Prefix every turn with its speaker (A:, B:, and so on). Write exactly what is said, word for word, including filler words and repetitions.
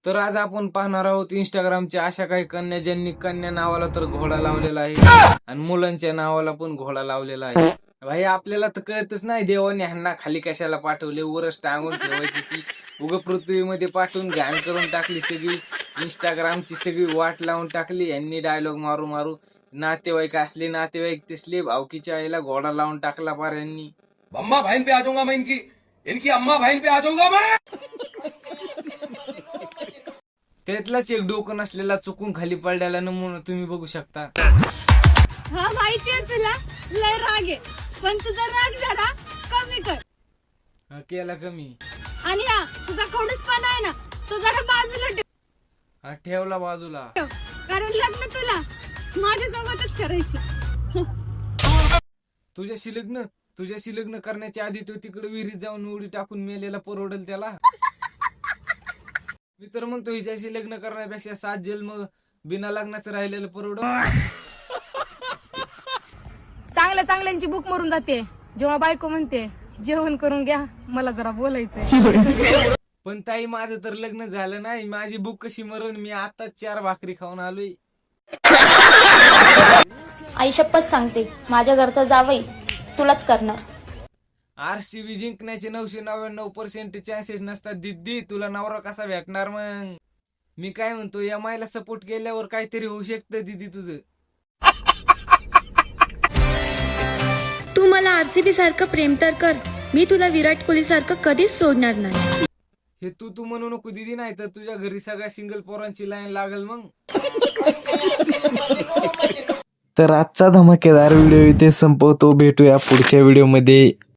A: तर आज आपण पाहणार आहोत इंस्टाग्रामच्या अशा काही कन्या ज्यांनी कन्या नावाला तर घोडा लावलेला आहे आणि मुलांच्या नावाला पण घोडा लावलेला आहे. भाई आपल्याला तर कळतच नाही देवाने ह्यांना खाली कशाला पाठवले, वरच टांगून ठेवायची ती उग पृथ्वीमध्ये पाठवून घाण करून टाकली सगळी. इंस्टाग्रामची सगळी वाट लावून टाकली यांनी डायलॉग मारू मारू. नातेवाईक असले नातेवाईक तिसले भावकीच्या आईला घोडा लावून टाकला पार यांनी.
B: अम्मा बहन पे आ जाऊंगा मैं, इनकी इनकी अम्मा बहन पे आ जाऊंगा मैं.
A: त्यातलाच एक डोकं नसलेला चुकून खाली पडलेला नमुना तुम्ही बघू शकता.
C: हा माहितीये तुला लय राग आहे, पण तुझा राग जरा कमी कर.
A: हा, केला कमी.
C: आणि हा तुझा खडूसपणा आहे ना, तो जरा बाजूला ठेव.
A: हा, ठेवला बाजूला.
C: कारण लग्न तुला माझ्यासोबतच करायचं.
A: तुझ्याशी लग्न तुझ्याशी लग्न करण्याच्या आधी तो तिकडे विहिरीत जाऊन उडी टाकून मेलेला परवडेल त्याला. मी तर म्हणतो हिच्याशी लग्न करण्यापेक्षा सात जन्म बिना लग्नाचं राहिलेलं परवड.
D: चांगल्या चांगल्यांची बुक मरून जाते जेव्हा बायको म्हणते जेवण करून घ्या, मला जरा बोलायचंय.
A: पण ताई माझं तर लग्न झालं नाही, माझी बुक कशी मरण, मी आता चार भाकरी खाऊन आलोय.
E: आई शपथ सांगते, माझ्या घरचा जावई तुलाच करणार.
A: आरसीबी जिंकण्याचे नऊशे नव्याण्णव पर्सेंट चान्सेस नसतात दिदी, तुला नवरा कसा भेटणार मग. मी काय म्हणतो, या मायला सपोर्ट केल्यावर काहीतरी होऊ शकतं दिदी तुझं.
F: तू मला आरसीबी सारखं प्रेम तर कर, मी तुला विराट कोहली सारखं कधीच सोडणार नाही.
A: हे तू तू म्हणू नको दिदी, नाही तर तुझ्या घरी सगळ्या सिंगल पोरांची लाईन लागल मग. तर आजचा धमाकेदार व्हिडिओ इथे संपवतो, भेटूया पुढच्या व्हिडिओमध्ये.